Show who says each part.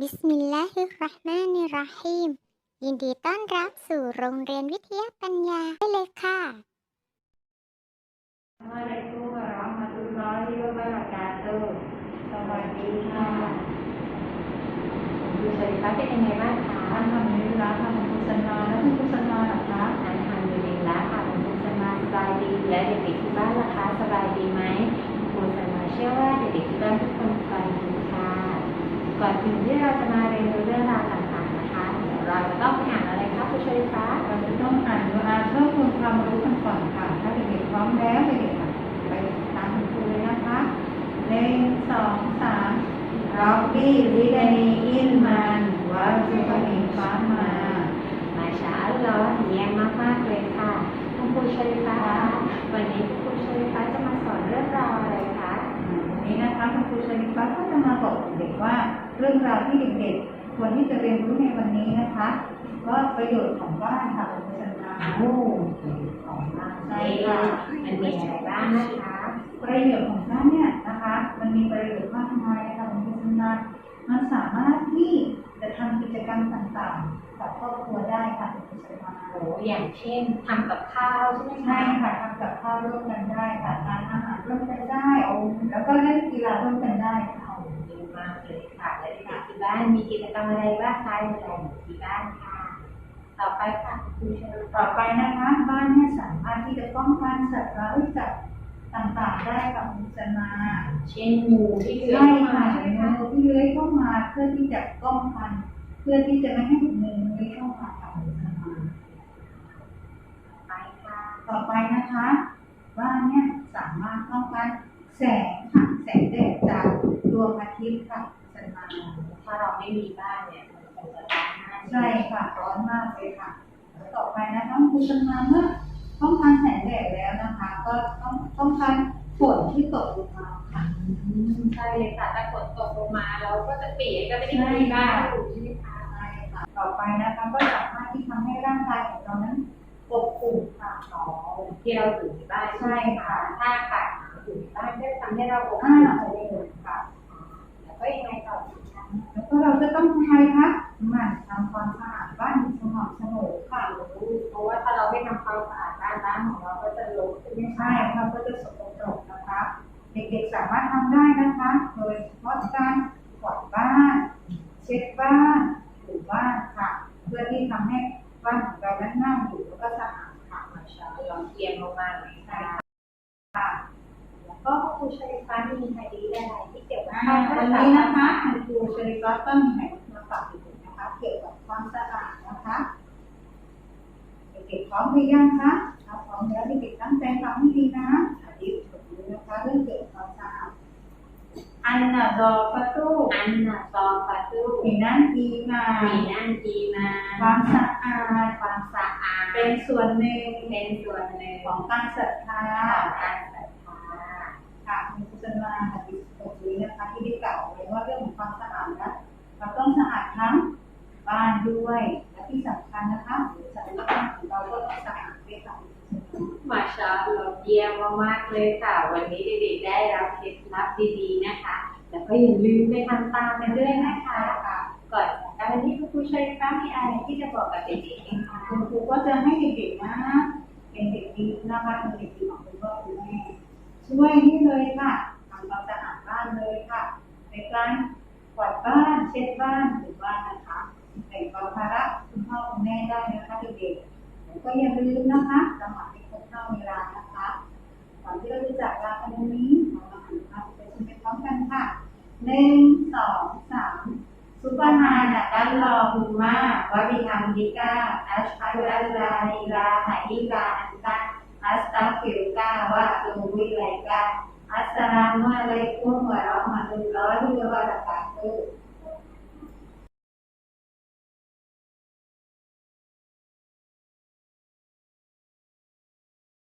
Speaker 1: บิสมิลลาฮิรเราะห์มานิรเราะฮีมยินดีต้อนรับสู่โรงเรียนวิทยาปัญญาได้เลยค่ะ
Speaker 2: Assalamualaikum warahmatullahi wabarakatuh สวัสดีค่ะคุณครูชริฟ้าเป็นยังไงบ้างคะอัลฮัมดุลิลลาฮ์ค่ะคุณครูซันมาแล้วคุณครูซันมาล่ะคะอัลฮัมดุลิลลาฮ์ค่ะคุณครูซันมาสบายดีและเด็กๆที่บ้านล่ะคะสบายดีไหมครูซันมาเชื่อว่าเด็กๆที่บ้านทุกคนสบายดีค่ะก่อนอื่นที่เราจะมาเรียนรู้เรื่องราวต่างๆนะคะเดี๋ยวเราจะต้องไปอ่านอะไรคะครูชริฟ้าเราจะต้องอ่านดูอาเพิ่มพูนความรู้กันก่อนค่ะถ้าเด็กๆพร้อมแล้วเด็กๆไปตามคุณครูเลยนะคะ1 2 3ร็อบบี้ซิดานีอิลมันวะซุกนีฟามามาชาอัลลอฮ์เยี่ยมมากๆเลยค่ะคุณครูชริฟ้าวันนี้คุณครูชริฟ้าจะมาสอนเรื่องราวอะไรคะวันนี้นะคะคุณครูชริฟ้าก็จะมาบอกเด็กว่าเรื่องราวที่เด็กๆควรที่จะเรียนรู้ในวันนี้นะคะก็ประโยชน์ของบ้านค่ะคุณครูชริฟ้าของบ้านใช่ค่ะมันมีอะไรบ้างนะคะประโยชน์ของบ้านเนี่ยนะคะมันมีประโยชน์มากมายนะคะคุณผู้ชมมันสามารถที่จะทำกิจกรรมต่างๆกับครอบครัวได้ค่ะคุณผู้ชมโอ้อย่างเช่นทำกับข้าวใช่ไหมคะใช่ค่ะทำกับข้าวร่วมกันได้ค่ะทานอาหารร่วมกันได้แล้วก็เล่นกีฬาร่วมกันได้ค่ะดีมากเลยค่ะและเด็กๆที่บ้านมีกิจกรรมอะไรบ้างคะในที่บ้านค่ะต่อไปค่ะคุณผู้ชมต่อไปนะคะบ้านเนี่ยสามารถที่จะป้องกันสัตว์ร้ายจากต่างๆได้กับคุณชนาเช่นงูที่เลื้อยเข้ามางูที่เลื้อยเข้ามาเพื่อที่จะป้องกันเพื่อที่จะไม่ให้งูเลื้อยเข้ามากับคุณชนาไปค่ะต่อไปนะคะบ้านเนี่ยสามารถป้องกันแสงค่ะแสงแดดจากดวงอาทิตย์ค่ะชนาถ้าเราไม่มีบ้านเนี่ยมันคงจะร้อนมากใช่ค่ะร้อนมากเลยค่ะแล้วต่อไปนะคะคุณชนาเมื่อป้องกันแสงแดดแล้วนะคะก็ต้องป้องกันฝนที่ตกลงมาค่ะใช่เลยค่ะถ้าฝนตกลงมาเราก็จะเปียกก็ไม่ได้มีบ้านอยู่ใช่ไหมคะใช่ค่ะต่อไปนะคะก็สามารถที่ทำให้ร่างกายของเรานั้นอบอุ่นค่ะที่เราอยู่ในบ้านใช่ค่ะถ้าอากาศอยู่ในบ้านก็ทำให้เราอบอุ่นค่ะแล้วก็ยังไงต่อแล้วก็เราจะต้องทำไมคะหมั่นทำความสะอาดบ้านอยู่สม่ำเสมอค่ะเพราะว่าถ้าเราไม่ทำความสะอาดบ้านของเราก็จะรกใช่ไหมคะใช่ค่ะก็จะสกปรกนะคะเด็กๆสามารถทำได้นะคะโดยเฉพาะการกวาดบ้านเช็ดบ้านถูบ้านค่ะเพื่อที่ทำให้บ้านของเรานั้นน่าอยู่แล้วก็สะอาดค่ะมาชาลองเทียมลงมาหน่อยค่ะแล้วก็ครูชริฟ้ามีไอเดียอะไรที่เกี่ยวกับวันนี้นะคะครูชริฟ้าก็มีไอเดียมาฝากเด็กๆนะคะเกี่ยวกับความสะอาดนะคะเด็กๆพร้อมหรือยังคะถ้าพร้อมแล้วเด็กๆตั้งใจฟังให้ดีนะอธิบายดูนะคะเรื่องเกี่ยวกับความสะอาดอันนาดอฟาตูมีนั่นดีมาความสะอาดเป็นส่วนหนึ่งของการศรัทธาค่ะมีพุทธศาสนาหะดีษบทนี้นะคะที่ได้กล่าวไว้ว่าเรื่องของความสะอาดนะเราต้องสะอาดทั้งบ้านด้วยและที่สำคัญนะคะจักรวาลของเราก็ต้องสะอาดด้วยค่ะมาชาอัลลอฮ์เยี่ยมมากๆเลยค่ะวันนี้เด็กๆได้รับเคล็ดลับดีๆนะคะแล้วก็อย่าลืมไปทำตามกันด้วยนะคะก่อนจากการที่คุณครูชริฟ้ามีอะไรที่จะบอกกับเด็กๆเองคะคุณครูก็จะให้เด็กๆนะเป็นเด็กดีนะคะเป็นเด็กดีของคุณพ่อคุณแม่ช่วยนี่เลยค่ะทำความสะอาดบ้านเลยค่ะในการกวาดบ้านเช็ดบ้านถูบ้านนะคะแบ่งเบาภาระคุณพ่อคุณแม่ได้นะคะเด็กๆแล้วก็อย่าลืมนะคะสมัครให้ครบเท่าเวลานะคะก่อนที่เราจะจากลากันวันนี้เรามาอ่านคำเป็นพร้อมกันค่ะ1 2 3ซุบฮานะกัลลอฮุมะวะบิฮัมดิกะอัชฮะดุอัลลาอิลาฮะอิลลาอันตะอัสตัฆฟิรุกะวะอะตูบุอิลัยกะอัสสลามุอะลัยกุมวะเราะห์มะตุลลอฮิวะบะเราะกาตุฮ์